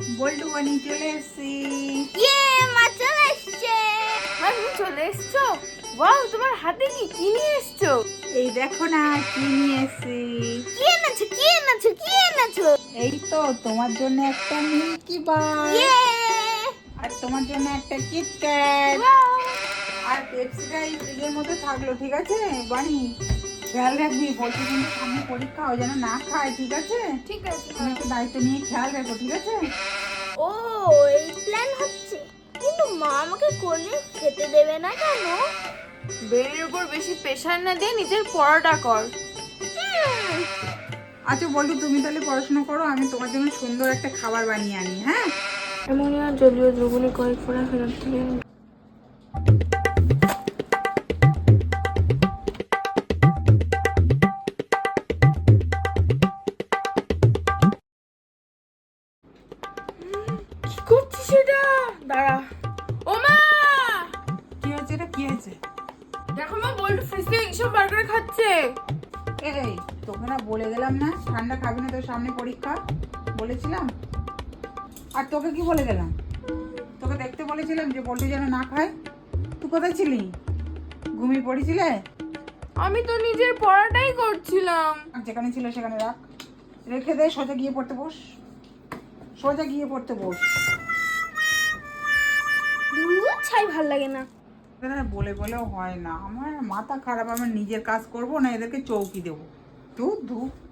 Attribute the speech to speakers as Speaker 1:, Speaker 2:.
Speaker 1: বল্টু বানি চলে এসেছি।
Speaker 2: মা চলে এসছে।
Speaker 3: মা তুমি চলে এসছো? ওয়াও, তোমার হাতে কি নিয়ে এসছো?
Speaker 1: এই দেখো না কি নিয়ে এসেছি।
Speaker 2: কি এনেছো কি এনেছো কি এনেছো?
Speaker 1: এই তো তোমার জন্য একটা মিল্কি বার, আর তোমার জন্য একটা কিটক্যাট, আর পেপসিটা এই ফ্রিজের মধ্যে থাকলো। ঠিক আছে বানি, খেয়াল রাখবি, বলছি কিন্তু সামনে পরীক্ষা হয় যেন না খায়। ঠিক আছে,
Speaker 3: ঠিক আছে।
Speaker 1: তুমি একটু দায়িত্ব নিয়ে খেয়াল রাখো। ঠিক আছে,
Speaker 2: ও এই প্ল্যান হচ্ছে, কিন্তু মা আমাকে কোলে খেতে দেবে না কেন?
Speaker 3: ব্রেনের উপর বেশি প্রেশার না দিয়ে নিজের পড়াটা কর।
Speaker 1: আচ্ছা বল্টু, তুমি তাহলে পড়াশোনা করো, আমি তোমার জন্য সুন্দর একটা খাবার বানিয়ে আনি। হ্যাঁ,
Speaker 3: অ্যামোনিয়া জলীয় দ্রবণে কয়েক ফোঁটা ফেরত দিলেন। কি করছিস এটা? দাঁড়া। ও মা,
Speaker 1: কি হয়েছে? এটা কি হয়েছে?
Speaker 3: দেখো মা, বল্টু ফ্রিজ থেকে কিসব বার করে খাচ্ছে।
Speaker 1: এই তোকে না বলে গেলাম না ঠান্ডা খাবি না, তোর সামনে পরীক্ষা বলেছিলাম। আর তোকে কি বলে গেলাম? তোকে দেখতে বলেছিলাম যে বল্টু যেন না খায়। তুই কোথায় ছিলি? ঘুমিয়ে পড়েছিলে?
Speaker 3: আমি তো নিজের পড়াটাই করছিলাম।
Speaker 1: আর যেখানে ছিল সেখানে রাখ, রেখে দে, সোজা গিয়ে পড়তে বস, সোজা গিয়ে পড়তে বস।
Speaker 2: দুধ ছাই ভাল লাগে না।
Speaker 1: এদের বলে বলেও হয় না, আমার মাথা খারাপ। আমার নিজের কাজ করব না এদেরকে চৌকি দেবো। ধুর ধুর।